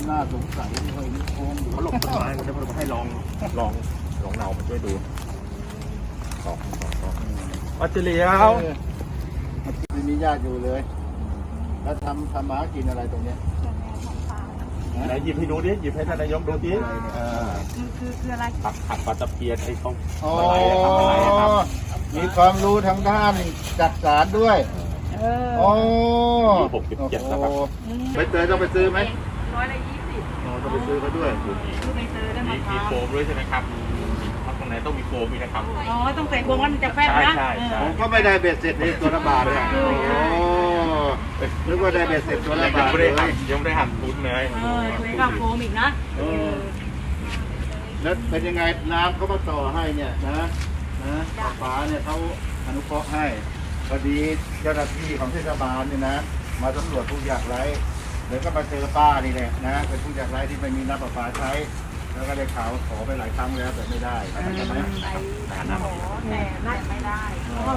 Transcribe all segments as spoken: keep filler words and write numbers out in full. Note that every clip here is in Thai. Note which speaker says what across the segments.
Speaker 1: น่าสงสัยที่เขาโค้งอยู่
Speaker 2: เขาหลบต้นไม้เขาจะมาให้ลองลองลองเนามาช่วยดูสองสองสองปัจเจลียว
Speaker 1: ไม่มีญาติอยู่เลยแล้วทำทำหมากินอะไรตรงเนี้ย
Speaker 2: ไหนหยิบให้ดูดิหยิบให้ท่านนายกดูดิ
Speaker 3: คือคือคืออะไร
Speaker 2: ผักผักปลาตะเพียนไอ้เขา
Speaker 1: อ๋อ
Speaker 2: อะไรอะทำอะไรอะครับ
Speaker 1: มีความรู้ทางด้านจัดสารด้วย
Speaker 3: เออ
Speaker 1: โอ้
Speaker 2: หกสิบเจ็ดนะครับ
Speaker 1: ไปเตยต้องไปซื้อไหม
Speaker 3: ร้อยละยี่สิบ
Speaker 1: อ๋อต้องไปซื้อเขาด้วย
Speaker 3: คือไปซื้อได้
Speaker 2: มี
Speaker 3: มะพ
Speaker 2: มี
Speaker 3: ร้าว
Speaker 2: โฟมด้วยใช่ไหมครับถ้าตรงไหนต้องมีโฟมมีนะครับ
Speaker 3: อ๋อต้องใส่พวงมันจะแฟบนะ
Speaker 2: ใช่ใช่ใช่
Speaker 1: ผมก็ไม่ได้เบ็ดเสร็จในตัวละบาทเลยโอ้นึกว่าได้เบ็ดเสร็จตัวละ
Speaker 2: ยัง
Speaker 1: บาท
Speaker 2: ไม่
Speaker 1: เล
Speaker 2: ได้
Speaker 1: ย
Speaker 2: หักยังไม่ได้หักทุนเลย
Speaker 3: เออคุยกับโฟมอีกนะ
Speaker 1: เออแล้วเป็นยังไงน้ำเขามาต่อให้เนี่ยนะนะป๋าเนี่ยเขาอนุเคราะห์ให้พอดีเจ้าหน้าที่ของเทศบาลเนี่ยนะมาสำรวจผู้ยากไร้เดี๋ยวก็มาเจอป้านี่แหละนะเป็นผู้ยากไร้ที่ไม่มีน้ำประปาใช้แล้วก็ได้ข่าวขอไปหลายครั้งแล้วแต่ไม่ได้ใช่ไหม
Speaker 2: แต่น้ำ
Speaker 3: แต่น่าไม่ได้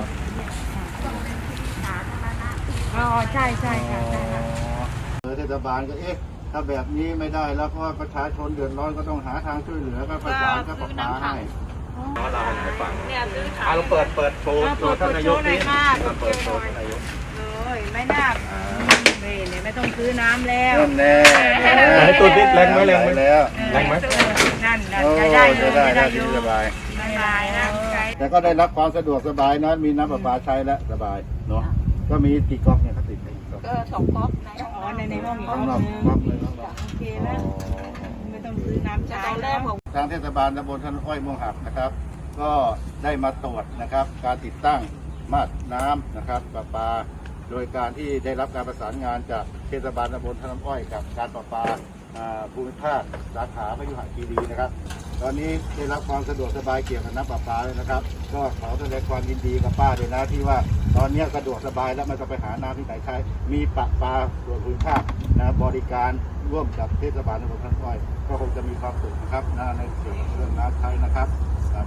Speaker 3: อ๋อใช่ใช่ค่ะใช่ค่ะ
Speaker 1: เออเทศบาลก็เอ๊ะถ้าแบบนี้ไม่ได้แล้วเพราะว่าประชาชนเดือดร้อนก็ต้องหาทางช่วยเหลือก็ประสานกับประปาให้
Speaker 2: เราเราให้ฟัง
Speaker 3: เนี่ยซื้อขา
Speaker 2: อ่ะ
Speaker 3: ย
Speaker 2: เราเปิดเปิดโชว์โชว์ท่านนายกนี่เปิดโชว์ท่านนายก
Speaker 3: เลยไม่น่าเบรเนี่ยไม่ต้องซื้อน้ำแล้ว
Speaker 1: นั่นแน่
Speaker 2: ให้ตัวนิดแรงไหมแรงไหม
Speaker 1: แล้ว
Speaker 2: แรงไหม
Speaker 3: นั่นนั่น
Speaker 1: โอ้
Speaker 3: จะได้อ
Speaker 1: จะ
Speaker 3: ยู่
Speaker 1: ได้
Speaker 3: จะ
Speaker 1: ได้
Speaker 3: ได้อ
Speaker 1: ที่
Speaker 3: ยู่
Speaker 1: สบาย
Speaker 3: ไม่ได้นะ
Speaker 1: แต่ก็ได้รับความสะดวกสบายนะมีน้ำประปาใช้แล้วสบายเนาะก็มีกี่ก๊อกเนี่ยเขาติดไปกี่ก๊อก
Speaker 4: ก็สองก๊อกใน
Speaker 3: อ๋อในในห้องอีก
Speaker 1: ส
Speaker 3: ห้
Speaker 1: อ
Speaker 3: อง ง
Speaker 1: รอบ
Speaker 3: นึง
Speaker 1: ก๊อกเลยเนาะ
Speaker 3: โอเคแล้วไม่ต้องซื้อน้ำใช้
Speaker 4: ตอนแร
Speaker 3: แล้
Speaker 4: ก
Speaker 3: ว
Speaker 4: ผม
Speaker 1: ทางเทศบาลตำบลท่านอ้อยม่วงหักนะครับ ก็ได้มาตรวจนะครับ การติดตั้งมาตรน้ำนะครับประปา โดยการที่ได้รับการประสานงานจากเทศบาลตำบลท่าน้ำอ้อยกับการประปาอ่าภูมิภาคสาขาพยุหคีรีนะครับ ตอนนี้ได้รับความสะดวกสบายเกี่ยวกับน้ำประปาเลยนะครับ ก็ขอแสดงความยินดีกับป้าเลยนะที่ว่าตอนนี้สะดวกสบายแล้วไม่ต้องไปหาน้ำที่ไหนใช้ มีประปาส่วนภูมิภาคนะบริการร่วมกับเทศบาลตำบลท่าน้ำอ้อยก็คงจะมีความสุขนะครับนะในส่วนของเรื่องน้ำใช้นะครับครับ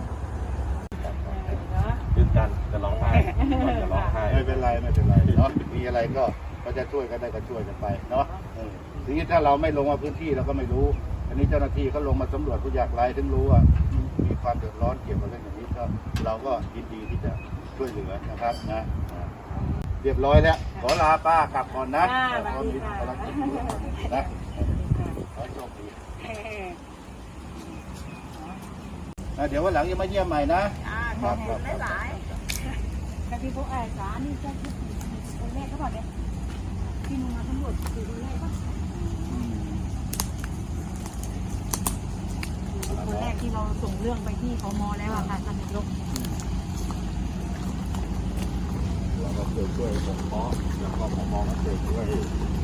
Speaker 2: ยืนกันจะร้องไห้จะร้องไห้
Speaker 1: ไม่เป็นไรไม่เป็นไรเนาะมีอะไรก็ก็จะช่วยกันได้ก็ช่วยกันไปเนาะเออทีนี้ถ้าเราไม่ลงมาพื้นที่เราก็ไม่รู้ อันนี้เจ้าหน้าที่เขาลงมาสำรวจผู้ยากไร้ถึงรู้ว่ามีความเดือดร้อนเกี่ยวกับเรื่องอย่างนี้ก็เราก็ยินดีที่จะช่วยเหลือนะครับนะนะเรียบร้อยแล้วขอลาป้ากลับก่อนนะขอมีภารกิจด่วนนะขอโชคดีนะเดี๋ยววันหลังจะมาเยี่ยมใหม่นะ
Speaker 4: อ่าขอบคุณหลาย
Speaker 3: แต่ที่เขาแอบสานี่ใช่คนแรกเขาบอกเนี่ยที่มึงมาตำรวจคือคนแรกปะคนแรกที่เราส่งเรื่องไปที่พมแล้วอะค่ะท่านนายก
Speaker 1: เราก็เคยช่วยผมเพาะแล้วก็ผมมองก็เคยช่วย